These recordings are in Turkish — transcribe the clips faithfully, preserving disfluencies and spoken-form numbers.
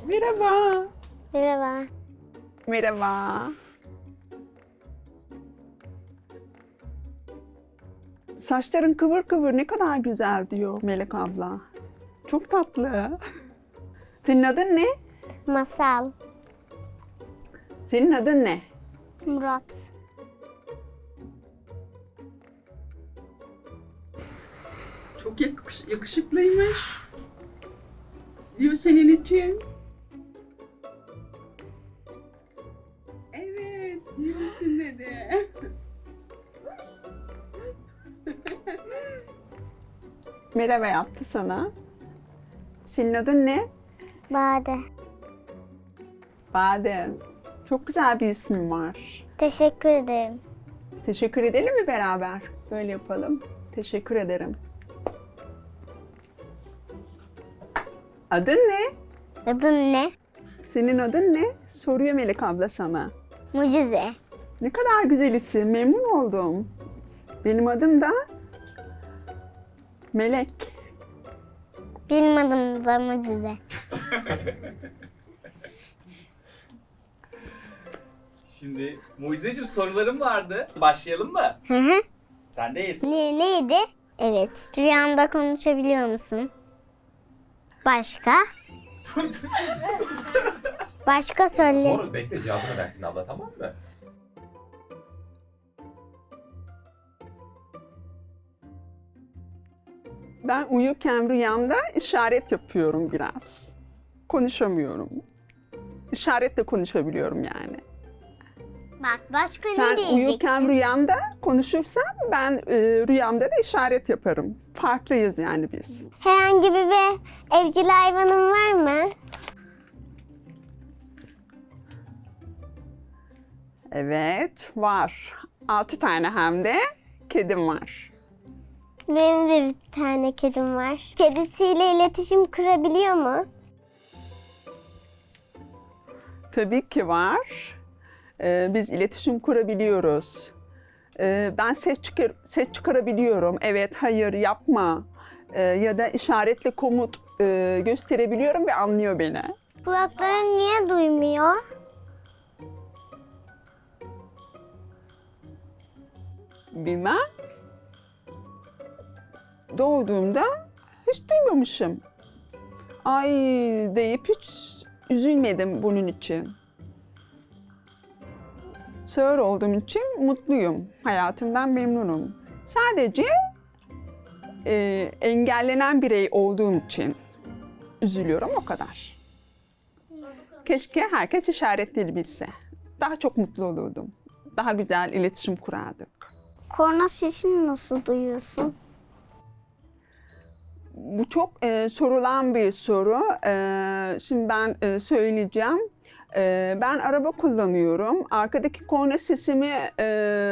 Merhaba. Merhaba. Merhaba. Saçların kıvır kıvır ne kadar güzel diyor Melek abla. Çok tatlı. Senin adın ne? Masal. Senin adın ne? Murat. Çok yakış- yakışıklıymış. Diyor senin için. Evet, iyi misin dedi. Merhaba yaptı sana. Senin adın ne? Bade. Badem. Çok güzel bir ismin var. Teşekkür ederim. Teşekkür edelim mi beraber? Böyle yapalım. Teşekkür ederim. Adın ne? Adın ne? Senin adın ne? Soruyor Melek abla sana. Mucize. Ne kadar güzel isim. Memnun oldum. Benim adım da Melek. Benim adım da Mucize. Şimdi Mucizeciğim sorularım vardı. Başlayalım mı? Hı hı. Sendeyiz. Ne, neydi? Evet. Rüyanda konuşabiliyor musun? Başka? Başka söyle. Sor, bekle cevabını versin abla, tamam mı? Ben uyurken rüyamda işaret yapıyorum biraz. Konuşamıyorum. İşaretle konuşabiliyorum yani. Bak başka Sen ne diyeceksin? uyurken rüyamda konuşursan ben e, rüyamda da işaret yaparım. Farklıyız yani biz. Herhangi bir, bir evcil hayvanın var mı? Evet, var. Altı tane hem de kedim var. Benim de bir tane kedim var. Kedisiyle iletişim kurabiliyor mu? Tabii ki var. Ee, biz iletişim kurabiliyoruz. Ee, ben ses, çıkar ses çıkarabiliyorum. Evet, hayır, yapma. Ee, ya da işaretle komut e, gösterebiliyorum ve anlıyor beni. Kulakların niye duymuyor? Bilmem. Doğduğumda hiç duymamışım. Ay deyip hiç üzülmedim bunun için. Sağır olduğum için mutluyum. Hayatımdan memnunum. Sadece e, engellenen birey olduğum için üzülüyorum, o kadar. Keşke herkes işaret dili bilse. Daha çok mutlu olurdum. Daha güzel iletişim kurardık. Korna sesini nasıl duyuyorsun? Bu çok e, sorulan bir soru. E, şimdi ben e, söyleyeceğim. E, ben araba kullanıyorum. Arkadaki korna sesimi e,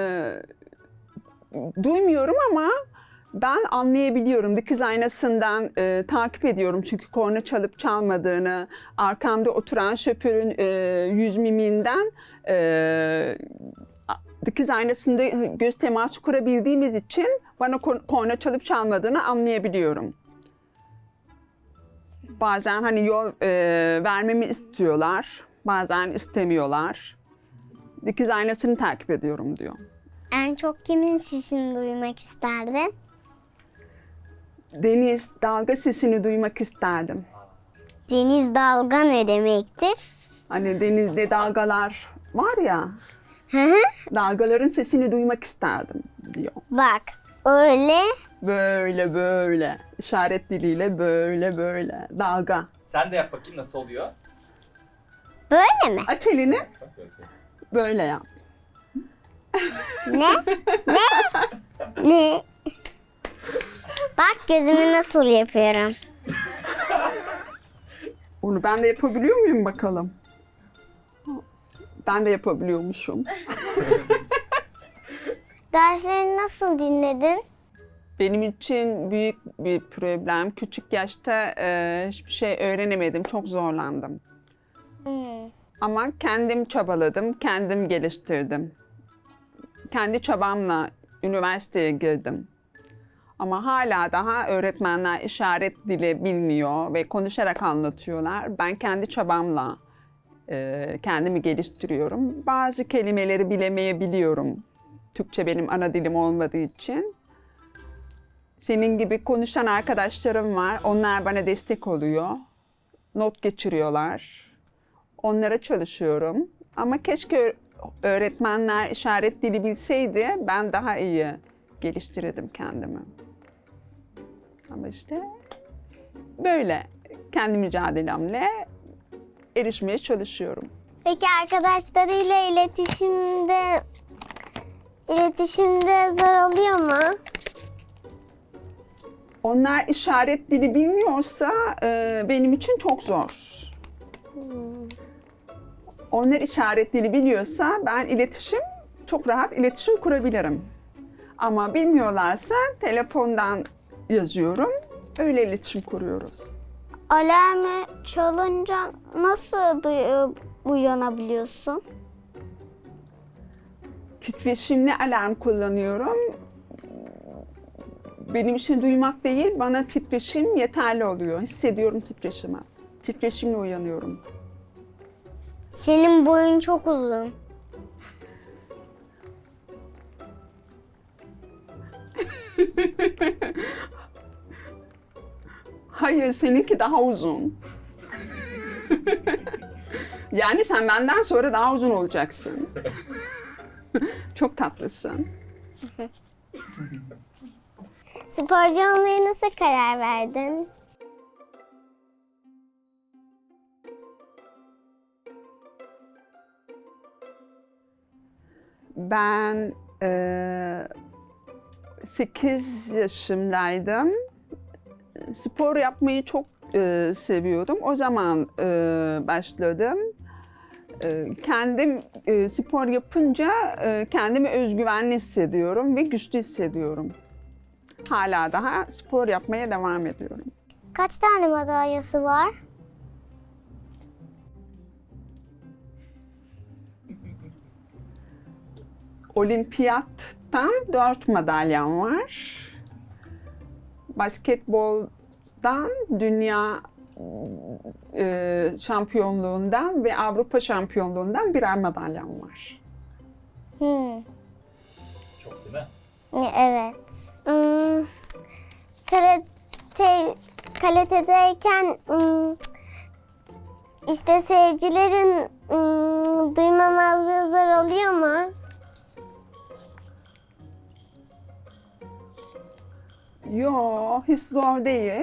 duymuyorum ama ben anlayabiliyorum. Dikiz aynasından e, takip ediyorum çünkü korna çalıp çalmadığını, arkamda oturan şoförün e, yüz mimiğinden e, dikiz aynasında göz teması kurabildiğimiz için bana korna çalıp çalmadığını anlayabiliyorum. Bazen hani yol e, vermemi istiyorlar, bazen istemiyorlar. Dikiz aynasını takip ediyorum diyor. En çok kimin sesini duymak isterdin? Deniz, dalga sesini duymak isterdim. Deniz dalga ne demektir? Hani denizde dalgalar var ya, Hı hı. dalgaların sesini duymak isterdim diyor. Bak öyle Böyle böyle, işaret diliyle böyle böyle, dalga. Sen de yap bakayım nasıl oluyor? böyle mi? Aç elini, böyle yap. Ne? Ne? Ne? Bak gözümü nasıl yapıyorum. Onu ben de yapabiliyor muyum bakalım? Ben de yapabiliyormuşum. Derslerini nasıl dinledin? Benim için büyük bir problem. Küçük yaşta e, hiçbir şey öğrenemedim, çok zorlandım. Hmm. Ama kendim çabaladım, kendim geliştirdim. Kendi çabamla üniversiteye girdim. Ama hala daha öğretmenler işaret dili bilmiyor ve konuşarak anlatıyorlar. Ben kendi çabamla e, kendimi geliştiriyorum. Bazı kelimeleri bilemeyebiliyorum. Türkçe benim ana dilim olmadığı için. Senin gibi konuşan arkadaşlarım var. Onlar bana destek oluyor. Not geçiriyorlar. Onlara çalışıyorum. Ama keşke öğretmenler işaret dili bilseydi ben daha iyi geliştirirdim kendimi. Ama işte böyle kendi mücadelemle erişmeye çalışıyorum. Peki arkadaşlarıyla iletişimde iletişimde zor oluyor mu? Onlar işaret dili bilmiyorsa e, benim için çok zor. Onlar işaret dili biliyorsa ben iletişim, çok rahat iletişim kurabilirim. Ama bilmiyorlarsa telefondan yazıyorum, öyle iletişim kuruyoruz. Alarmı çalınca nasıl duy- uyanabiliyorsun? Titreşimli alarm kullanıyorum. Benim için duymak değil, bana titreşim yeterli oluyor. Hissediyorum titreşimi. Titreşimle uyanıyorum. Senin boyun çok uzun. Hayır, seninki daha uzun. Yani sen benden sonra daha uzun olacaksın. Çok tatlısın. Sporcu olmaya nasıl karar verdin? Ben eee sekiz yaşımdaydım. Spor yapmayı çok eee, seviyordum. O zaman eee, başladım. Eee, kendim eee, spor yapınca eee, kendimi özgüvenli hissediyorum ve güçlü hissediyorum. Hala daha spor yapmaya devam ediyorum. Kaç tane madalyası var? Olimpiyattan dört madalyam var. Basketboldan dünya e, şampiyonluğundan ve Avrupa şampiyonluğundan birer madalyam var. Hmm. Çok değil mi? Evet. Hmm. Karate, karate'deyken hmm, işte seyircilerin hmm, duymamazlığı zor oluyor mu? Yo, hiç zor değil.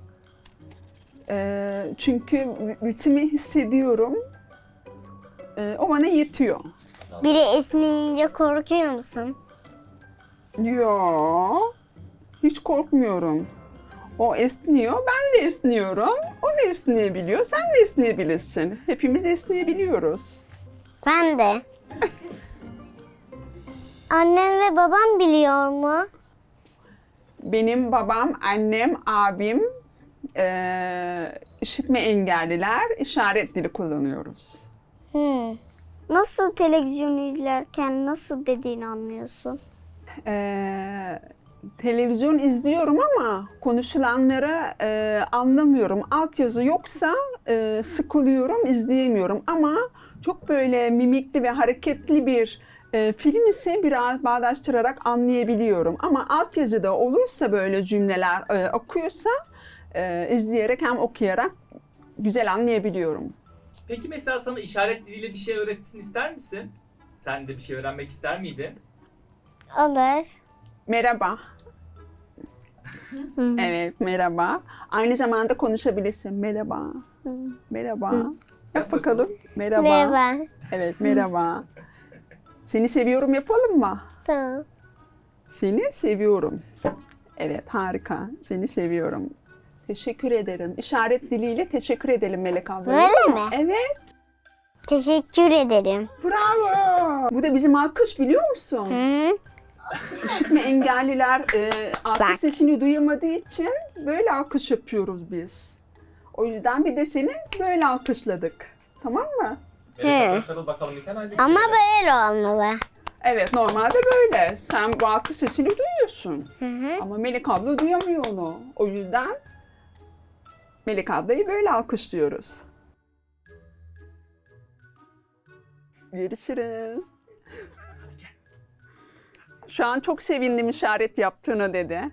E, çünkü ritmi hissediyorum. E, o bana yetiyor. Biri esneyince korkuyor musun? Yo, hiç korkmuyorum. O esniyor, ben de esniyorum. O da esneyebiliyor, sen de esneyebilirsin. Hepimiz esneyebiliyoruz. Ben de. Annen ve baban biliyor mu? Benim babam, annem, abim eee, işitme engelliler, işaret dili kullanıyoruz. Hmm. Nasıl televizyonu izlerken nasıl dediğini anlıyorsun? Eee, televizyon izliyorum ama konuşulanları eee, anlamıyorum. Altyazı yoksa eee, sıkılıyorum, izleyemiyorum. Ama çok böyle mimikli ve hareketli bir e, film ise biraz bağdaştırarak anlayabiliyorum. Ama altyazıda olursa böyle cümleler e, okuyorsa e, izleyerek hem okuyarak güzel anlayabiliyorum. Peki mesela sana işaret diliyle bir şey öğretsin ister misin? Sen de bir şey öğrenmek ister miydin? Olur. Merhaba. Evet, merhaba. Aynı zamanda konuşabilirsin. Merhaba. Merhaba. Yap bakalım. Merhaba. Merhaba. Evet, merhaba. Seni seviyorum yapalım mı? Tamam. Seni seviyorum. Evet, harika. Seni seviyorum. Teşekkür ederim. İşaret diliyle teşekkür edelim Melek abla. Böyle mi? Evet, Teşekkür ederim. bravo. Bu da bizim alkış biliyor musun? Hı? İşitme engelliler e, alkış Bak. sesini duyamadığı için böyle alkış yapıyoruz biz. O yüzden bir de seni böyle alkışladık. Tamam mı? Melek abla sarıl bakalım bir tane. Hadi. Ama böyle olmalı. Evet, normalde böyle. Sen bu alkış sesini duyuyorsun. Hı hı. Ama Melek abla duyamıyor onu. O yüzden Melek ablayı böyle alkışlıyoruz. Görüşürüz. Şu an çok sevindim işaret yaptığına dedi.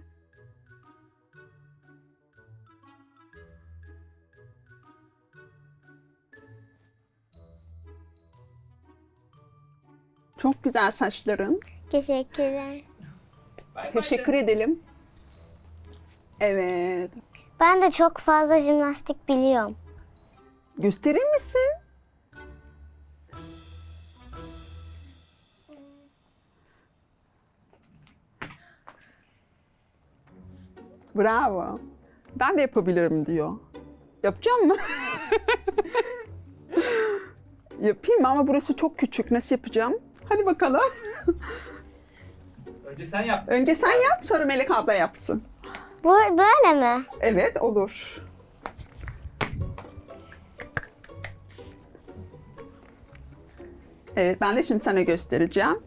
Çok güzel saçların. Teşekkürler. Bay bay Teşekkür de. edelim. Evet. Ben de çok fazla jimnastik biliyorum. Gösterir misin? Bravo. Ben de yapabilirim diyor. Yapacağım mı? Yapayım ama burası çok küçük. Nasıl yapacağım? Hadi bakalım. Önce sen yap. Önce sen yap, sonra Melek abla yapsın. Bu böyle mi? Evet, olur. Evet, ben de şimdi sana göstereceğim.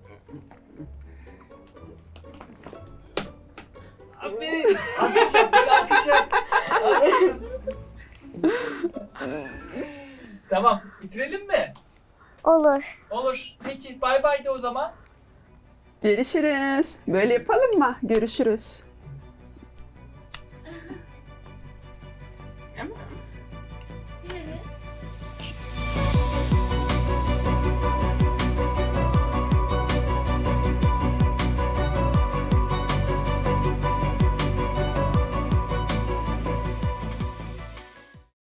Aferin. Alkış yap. Bir alkış yap. Alkış yap. Tamam. Bitirelim mi? Olur. Olur. Peki. Bay bay de o zaman. Görüşürüz. Böyle yapalım mı? Görüşürüz.